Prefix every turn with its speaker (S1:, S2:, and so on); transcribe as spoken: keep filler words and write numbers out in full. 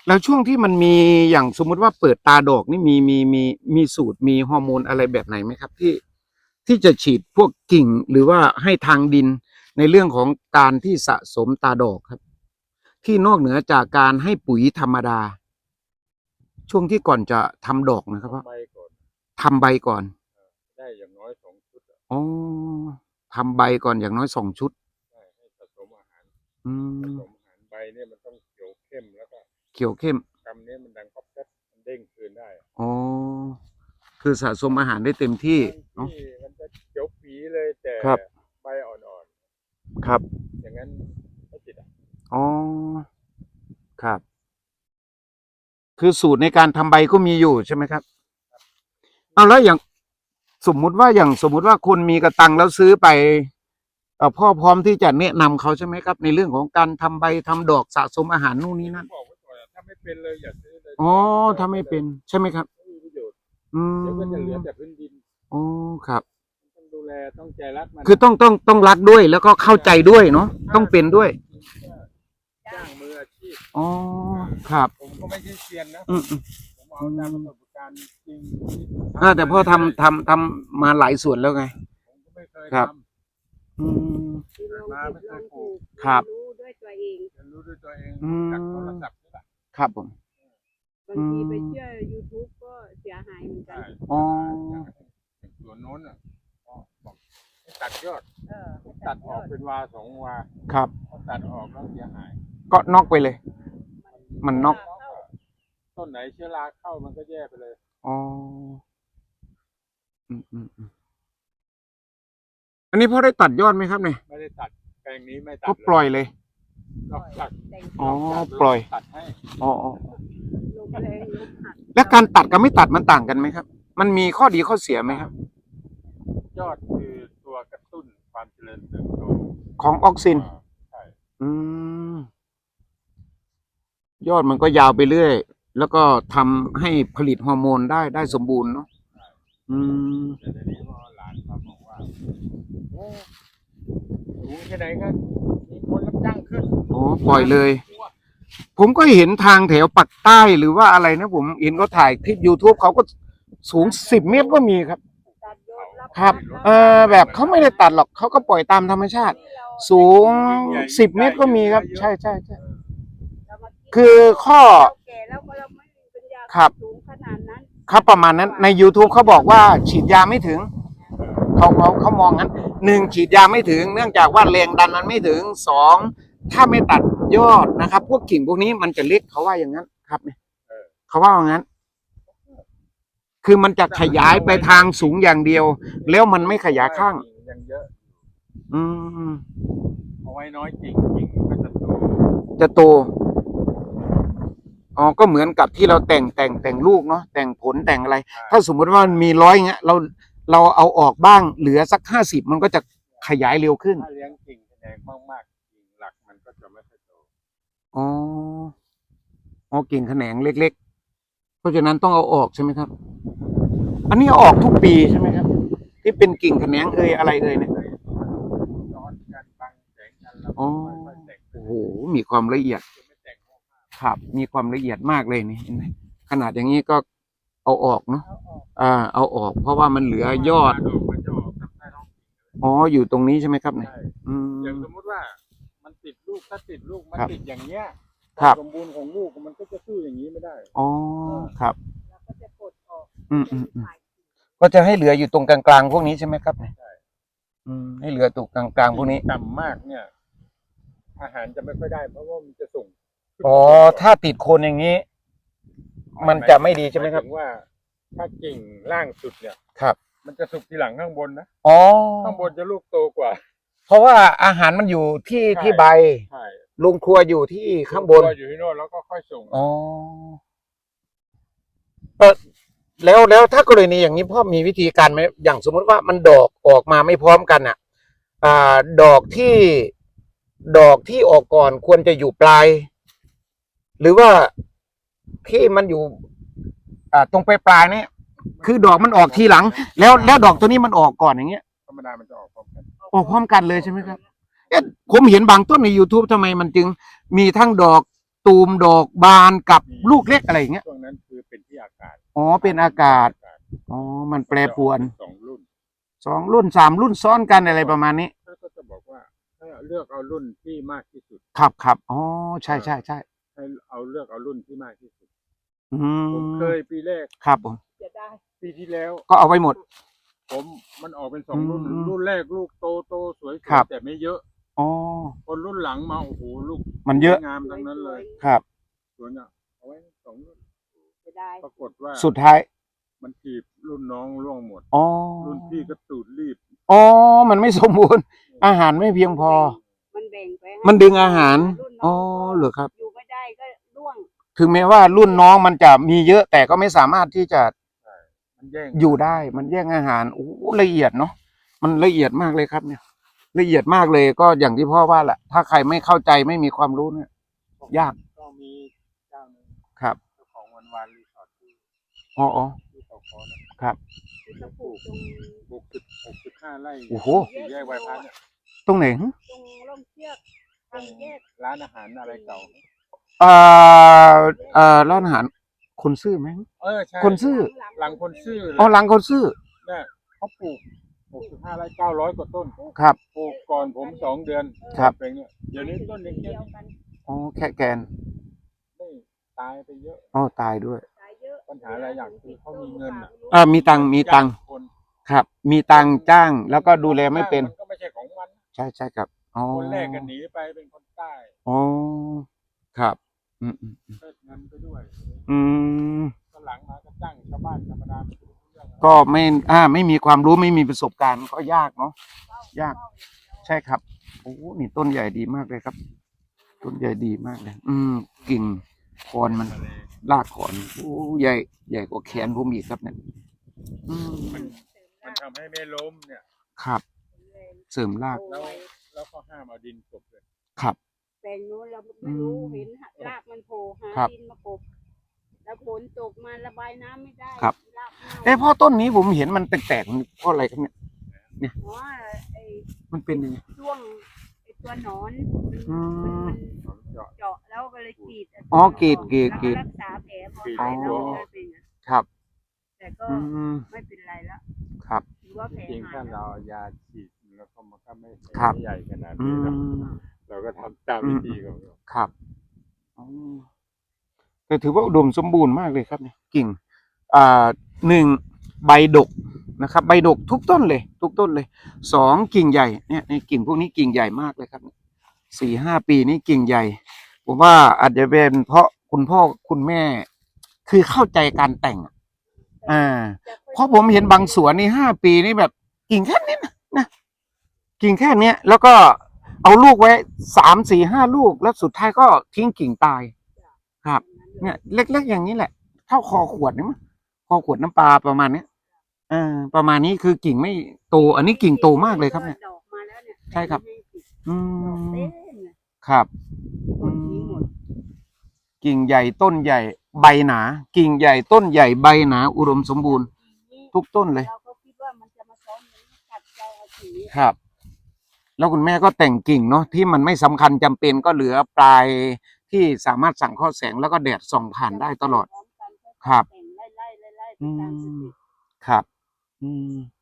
S1: แล้วช่วงที่มันมีอย่างสมมุติว่าเปิดตาดอกนี่มีมีมีมีสูตรมีฮอร์โมนอะไรแบบไหนไหมครับที่ที่จะฉีดพวกกิ่งหรือว่าให้ทางดินในเรื่องของการที่สะสมตาดอกครับที่นอกเหนือจากการให้ปุ๋ยธรรมดาช่วงที่ก่อนจะทำดอกนะครับว่า
S2: ใบก่อน
S1: ทำใบก่อน
S2: ได้อย่างน้อยสองชุด
S1: อ๋อทำใบก่อนอย่างน้อยสองชุด
S2: ใช่ให้ผสมอาหาร
S1: อื
S2: ผม
S1: ม
S2: สมอาหารใบเนี่ยมันต้องเขียวเข้มแล้วก็
S1: เขียวเข้ม
S2: กำนี้มันดังก๊อบแก๊บมันเด้งคืนได้
S1: อ๋อคือสะสมอาหารได้เต็มที่
S2: บาง
S1: เนาะ
S2: ที่มันจะเขียวปีเลยแต่
S1: ครับ
S2: ใบอ่อน
S1: ครับ
S2: ๆอย่างนั้นไม่ติดอ่ะ
S1: อ๋อครับ คือสูตรในการทำใบก็มีอยู่ใช่ไหมครับเอาแล้วอย่างสมมุติว่าอย่างสมมุติว่าคุณมีกระตังแล้วซื้อไปเอ่อพ่อพร้อมที่จะแนะนำเขาใช่ไหมครับในเรื่องของการทำใบทำดอกสะสมอาหารนู่นนี่นั่น
S2: บอกไว้ก่อนถ้าไม่เป็นเลยอย่าซื้อเลย
S1: อ๋อถ้าไม่เป็นใช่ไหมครับ
S2: ไม่มีประโยชน์
S1: อื
S2: เดี๋ยวก็จะเหลือ
S1: ม
S2: แต่พื้นดิน
S1: อ๋อครับ
S2: ต้องดูแลต้องใจรักมัน
S1: คือต้องต้องต้องรักด้วยแล้วก็เข้าใจด้วยเนาะต้องเป็นด้วย
S2: จ้างมืออาชีพ
S1: อ๋อครับ
S2: ผมก็ไม่ใช่เซียนนะ
S1: อืมอืม
S2: ผมเอาตามประสบการณ์จริง
S1: อ่าแต่พ่อทำทำทำมาหลายส่วนแล้วไง
S2: ผมก็ไม่เคย
S1: ครับ
S2: ท
S1: อืม
S2: ำมาไม่เคยปลูก
S1: ครับ
S3: รู้ด้วยตัวเอง
S2: เรียนรู้ด้วยตัวเอง
S1: อืม
S2: จากโทรศัพท์นี่แหละ
S1: ครับผม
S3: บางทีไปเชื่อ YouTube ก็เสียหายเหมือนกัน
S2: ใช่
S1: อ๋อ
S2: อย่างสวนโน้นอ่ะก็บอกให้ตัดยอด
S3: เออ
S2: ตัดออกเป็นวาสองวา
S1: ครับ
S2: พอตัดออกแล้วเสียหาย
S1: ก็นอกไปเลย มันนอก
S2: ต้นไหนเชื้อราเข้ามันก็แย่ไปเลย
S1: อ๋ออืมอืมอืมอันนี้พ่อได้ตัดยอดไหมครับเนี่ย
S2: ไม่ได้ตัดแปลงนี้ไม่ตัด
S1: ก็ปล่อยเลย
S2: นอกจาก
S1: อ๋อ ปล่อย
S2: ตัดให้
S1: อ๋ออ๋อ
S3: ลงแรงลงหัก
S1: แล้วการตัดกับไม่ตัดมันต่างกันไหมครับ มันมีข้อดีข้อเสียไหมครับ
S2: ยอดคือตัวกระตุ้นความเจริญเติบโต
S1: ของออกซิน
S2: ใช่
S1: อืม ยอดมันก็ยาวไปเรื่อย แล้วก็ทำให้ผลิตฮอร์โมนได้ได้สมบูรณ์เนาะ อืม
S2: แต่เดี๋ยวนี้พอหลานมาบอกว่าโอ้สูงแค่ไหนก็มีคนรับจ้างขึ้น
S1: อ๋อ ปล่อยเลย ผมก็เห็นทางแถวปักใต้หรือว่าอะไรนะผมเห็นเขาถ่ายคลิป YouTube เขาก็สูงสิบเมตรก็มีครับ
S3: ตัดยอดรับ
S1: ครับ เออแบบเขาไม่ได้ตัดหรอกเขาก็ปล่อยตามธรรมชาติ สูงสิบเมตรก็มีครับ ใช่ใช่ใช่
S3: เรามาคิด
S1: คือข้อ
S3: เราแก่แล้วก็เราไม่มีปัญญา
S1: ครับ
S3: สูงขนาดนั้น
S1: ครับประมาณนั้นใน YouTube เขาบอกว่าฉีดยาไม่ถึง เขาเขาเขามองงั้นหนึ่งฉีดยาไม่ถึง เนื่องจากว่าแรงดันมันไม่ถึงสองถ้าไม่ตัดยอดนะครับ พวกกิ่งพวกนี้มันจะเล็กเขาว่าอย่างนั้นครับเนี่ยเขาว่าอย่างนั้น คือมันจะขยายไปทางสูงอย่างเดียว แล้วมันไม่ขยายข้าง
S2: ยังเยอะ
S1: อืม
S2: เอาไว้น้อยจริงจริงก็จะโต
S1: จะโตอ๋อก็เหมือนกับที่เราแต่งแต่งแต่งลูกเนาะแต่งผลแต่งอะไร ถ้าสมมติว่ามันมีร้อยเงี้ยเราเราเอาออกบ้างเหลือสักห้าสิบมันก็จะขยายเร็วขึ้น
S2: ถ้าเลี้ยงกิ่งแดงมากๆกิ่งหลักมันก็จะไม่ค่อยโต
S1: อ๋ออ๋อกิ่งแขนงเล็กๆเพราะฉะนั้นต้องเอาออกใช่ไหมครับ อันนี้เอาออกทุกปีใช่ไหมครับ ที่เป็นกิ่งแขนงเอ่ยอะไรเอ่ยเนี่ย
S2: ร้อนกันบังแสงกันแล้ว
S1: อ๋อ
S2: ค่อยๆแต่ง
S1: โอ้โหมีความละเอียด
S2: จะไม่แต่งมาก
S1: ครับ มีความละเอียดมากเลยนี่เห็นไหมขนาดอย่างนี้ก็เอาออกเนาะ
S3: เอาออก
S1: อ่า เอาออก เพราะว่ามันเหลือยอด
S2: ดอกมันจะออกทำได้ท้อง
S1: อ๋ออยู่ตรงนี้ใช่ไหมครับเนี่ย
S2: ใช่
S1: อืม
S2: อย่างสมมติว่ามันติดลูกถ้าติดลูกมัน
S1: ครับ
S2: ติดอย่างเงี้ย
S1: ครับ
S2: สมบูรณ์ของลูกมันก็จะสู้อย่างนี้ไม่ได้
S1: อ๋อครับ
S3: แล้วก็จะกดออก
S1: อืมอืมอืมก็จะให้เหลืออยู่ตรงกลางๆพวกนี้ใช่ไหมครับเนี่ย
S2: ใช่
S1: อืมให้เหลือตรงกลางๆพวกนี้
S2: ต่ำมากเนี่ย อาหารจะไม่ค่อยได้เพราะว่ามันจะส่งขึ้น
S1: อ๋อถ้าติดโคนอย่างนี้ มันจะไม่ดีใช่ไหมครับ
S2: ายถึงว่า ถ้ากิ่งล่างสุดเนี่ย
S1: ครับ
S2: มันจะสุกทีหลังข้างบนนะ
S1: อ๋อ
S2: ข้างบนจะลูกโตกว่า
S1: เพราะว่าอาหารมันอยู่ที่
S2: ใช่
S1: ที่ใบ
S2: ใช่
S1: โรงครัวอยู่ที่ข้างบน
S2: ตัวอยู่ที่โน่นแล้วก็ค่อยส่ง
S1: อ๋อเออแล้วแล้วถ้ากรณีอย่างนี้พ่อมีวิธีการไหมอย่างสมมติว่ามันดอกออกมาไม่พร้อมกันอ่ะ อ่า ดอกที่ดอกที่ออกก่อนควรจะอยู่ปลาย หรือว่าที่มันอยู่ อ่า ตรงปลายปลายๆเนี่ยคือดอกมันออกทีหลัง แล้วแล้วดอกตัวนี้มันออกก่อนอย่างเงี้ย
S2: ธรรมดามันจะออกพร้อมกัน
S1: ออกพร้อมกันเลยใช่ไหมครับเอ๊ะผมเห็นบางต้นใน YouTube ทำไมมันจึงมีทั้งดอกตูมดอกบานกับลูกเล็กอะไรอย่างเงี้ย
S2: ช่วงนั้นคือเป็นที่อากาศ
S1: อ๋อเป็นอากาศอ๋อมันแปรปรวน
S2: สองรุ่น
S1: สองรุ่นสามรุ่นซ้อนกันอะไรประมาณนี้
S2: ถ้าก็จะบอกว่าถ้าเลือกเอารุ่นที่มากที่สุด
S1: ครับครับอ๋อใช่ใช่ใช่
S2: ให้เอาเลือกเอารุ่นที่มากที่สุด
S1: อื
S2: ผม
S1: ม
S2: เคยปีแรก
S1: ครับผม
S3: จะได้
S2: ปีที่แล้ว
S1: ก็เอาไว้หมด
S2: ผมมันออกเป็นสองรุ่น
S1: อืม
S2: รุ่นแรกลูกโตโตสวย
S1: ครับ
S2: ๆแต่ไม่เยอะ
S1: อ๋อ
S2: คนรุ่นหลังมาโอ้โหลูก
S1: มันเยอะ
S2: งามทั้งนั้นเลย
S1: ครับ
S2: สวนอ่ะเอาไว้สองรุ่น
S3: จะได้
S2: ปรากฏว่า
S1: สุดท้าย
S2: มันถีบรุ่นน้องร่วงหมด
S1: อ๋อ
S2: รุ่นพี่ก็ตูดรีบ
S1: อ๋อมันไม่สมบูรณ์ อาหารไม่เพียงพอ
S3: มันแบ่งไปให้
S1: มันดึงอาหาร
S3: รุ่นน้
S1: อ๋
S3: อ
S1: อง เหรอครับ
S3: อยู่ไม่ได้ก็ร่วง
S1: ถึงแม้ว่ารุ่นน้องมันจะมีเยอะแต่ก็ไม่สามารถที่จะ
S2: มันแย่ง
S1: อยู่ได้มันแย่งอาหารโอ้โหละเอียดเนาะมันละเอียดมากเลยครับเนี่ยละเอียดมากเลยก็อย่างที่พ่อว่าแหละถ้าใครไม่เข้าใจไม่มีความรู้เนี่ย ยาก
S2: ก็มีเจ้าหนึ่ง
S1: ครับ
S2: เจ้าของวันวานรีสอร์ทที่
S1: อ๋ออ๋อ
S2: ที่เขาคอนะครับ
S3: ที่เขาปลูกตรง
S2: หกสิบหกสิบห้าไร่
S1: โอ้โห
S2: สี่แยกไวพัฒน์เนี่ย
S1: ตรงไหนหึ
S3: ตรงร่มเชือกทางแยก
S2: ร้านอาหารอะไรเก่า
S1: เอ่อเอ่อร้านอาหารคนซื่อไหม
S2: เออใช่
S1: คนซื่อ
S2: หลังคนซื่อ
S1: อ๋อหลังคนซื่อ
S2: เนี่ยเขาปลูกหกสิบห้าไร่เก้าร้อยกว่าต้น
S1: ครับ
S2: ปลูกก่อนผมสองเดือน
S1: ครับ
S2: เป็นเนี่ยเดี๋ยวนี้ต้นเล็ก
S3: เดียวกัน
S1: อ๋อแค่แกน
S2: ๆไม่ตายไปเยอะ
S1: อ๋อตายด้วย
S3: ขายเยอะ
S2: ปัญหาอะไรอย่างคือเขามีเงินอะ
S1: อ่ามีตังค์มีตังค์
S2: คน
S1: ครับ มีตังค์จ้างแล้วก็ดูแลไม่เป็น
S2: มันก็ไม่ใช่ของมัน
S1: ใช่ใช่ครับอ๋อ
S2: คนแรกกันหนีไปเป็นคนใต้
S1: อ๋อครับอืมอืม
S2: เลิกเงินไปด้วย
S1: อืม
S2: ก็หลังมาก็จ้างชาวบ้านธรรมดาไม่รู้เรื่องอะไร
S1: ก็ไม่อ่าไม่มีความรู้ไม่มีประสบการณ์ก็ยากเนาะยาก ใช่ครับโอ้นี่ต้นใหญ่ดีมากเลยครับ ต้นใหญ่ดีมากเลย อืมกิ่งคอนมันรากคอนโอ้ใหญ่ใหญ่กว่าแขนผมอีกครับเนี่ยอืม
S2: มันมันทำให้ไม่ล้มเนี่ย
S1: ครับ เสริมราก
S2: แล้วแล้วก็ห้ามเอาดินกลบเลย
S1: ครับ
S3: แปลงนู้นเราไม่รู้
S1: อืม
S3: เห็นรากมันโผล่หา
S1: ครับ
S3: ดินมากบแล้วฝนตกมาระบายน้ำไม่ได้
S1: ครับ
S3: รากเน่า
S1: เอ้พ่อต้นนี้ผมเห็นมันแตกๆมันเพราะอะไรครับเนี่ย
S3: อ๋อไอ้
S1: มันเป็นยังไง
S3: ช่วงไอ้ตัวหนอน
S1: อืม
S3: มันมัน
S2: ผมเจาะ
S3: เจาะแล้วก็เลยกรีด
S1: อ๋อกรีดกรีดกรีด
S3: แล้วรักษาแผลพอก
S2: รีด
S3: หายแล้ว
S2: อ๋อ
S3: มันก็เป็นอย่างนั้น
S1: ครับ
S3: แต่ก็
S1: อืม
S3: ไม่เป็นไรแล้ว
S1: ครับ
S3: ถือว่าแผล
S2: จริงๆ
S3: หา
S2: ถ้าย
S3: แล้
S2: เรา
S3: ว
S2: เอายาฉีดแล้วก็มันก็ไม่
S1: ครับ
S2: ไม่ใหญ่ขนาด
S1: อื
S2: นี้นะ
S1: ม
S2: เราก็ทำตามวิธีของเรา
S1: ครับอ๋อแต่ถือว่าอุดมสมบูรณ์มากเลยครับเนี่ยกิ่ง อ่าหนึ่งใบดกนะครับ ใบดกทุกต้นเลย ทุกต้นเลยสองกิ่งใหญ่เนี่ยในกิ่งพวกนี้กิ่งใหญ่มากเลยครับสี่ห้าปีนี้กิ่งใหญ่ ผมว่าอาจจะเป็นเพราะคุณพ่อคุณแม่ คือเข้าใจการแต่งอะอ่า เพราะผมเห็นบางสวนนี่ห้าปีนี่แบบกิ่งแค่นี้นะนะกิ่งแค่เนี้ย แล้วก็เอาลูกไว้สามสี่ห้าลูก แล้วสุดท้ายก็ทิ้งกิ่งตาย ครับ เนี่ย เล็กๆอย่างนี้แหละ เท่าคอขวดนี่มั้งคอขวดน้ำปลาประมาณเนี้ยเออประมาณนี้คือกิ่งไม่โต อันนี้กิ่งโตมากเลยครับเนี่ย
S3: ดอกมาแล้วเนี่ย
S1: ใช่ครับ อื
S3: ดอก
S1: ม
S3: เต็มเลย
S1: ครับ
S3: หมดทิ้งหมด
S1: กิ่งใหญ่ต้นใหญ่ ใบหนา กิ่งใหญ่ต้นใหญ่ใบหนา อุดมสมบูรณ์ ทุกต้นเลย
S3: เราก็คิดว่ามันจะมาซ้อนอย่างนี้ขัดใจเอาสี
S1: ครับ แล้วคุณแม่ก็แต่งกิ่งเนาะที่มันไม่สำคัญจำเป็นก็เหลือปลายที่สามารถสั่งข้อแสงแล้วก็แดดส่องผ่านได้ตลอด ครับ
S3: แต่งไล่ไล่ไล่ไล่ไป
S1: อื
S3: ตามส
S1: ม
S3: เต็ป
S1: ครับ อืม